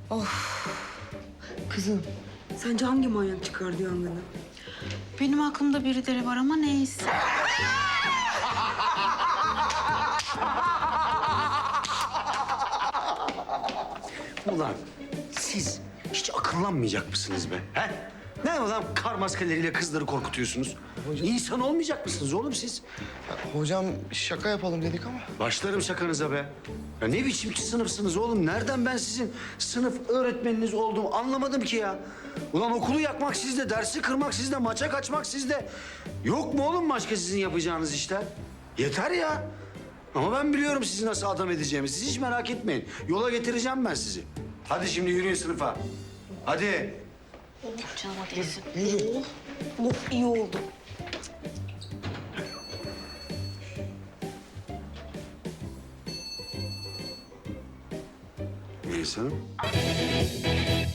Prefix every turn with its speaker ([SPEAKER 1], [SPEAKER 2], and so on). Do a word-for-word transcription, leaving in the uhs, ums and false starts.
[SPEAKER 1] Kızım, sence hangi manyak çıkardı yangını?
[SPEAKER 2] Benim aklımda birileri var ama neyse.
[SPEAKER 3] Ulan siz hiç akıllanmayacak mısınız be? He? Ne ulan kar maskeleriyle kızları korkutuyorsunuz? İnsan olmayacak mısınız oğlum siz?
[SPEAKER 4] Hocam şaka yapalım dedik ama.
[SPEAKER 3] Başlarım şakanıza be. Ya ne biçim ki sınıfsınız oğlum? Nereden ben sizin sınıf öğretmeniniz olduğumu anlamadım ki ya. Ulan okulu yakmak sizde, dersi kırmak sizde, maça kaçmak sizde. Yok mu oğlum başka sizin yapacağınız işler? Yeter ya. Ama ben biliyorum sizi nasıl adam edeceğimi. Siz hiç merak etmeyin. Yola getireceğim ben sizi. Hadi şimdi yürüyün sınıfa. Hadi.
[SPEAKER 2] Canıma değsin.
[SPEAKER 1] Oh, iyi oldu.
[SPEAKER 3] Melis Hanım.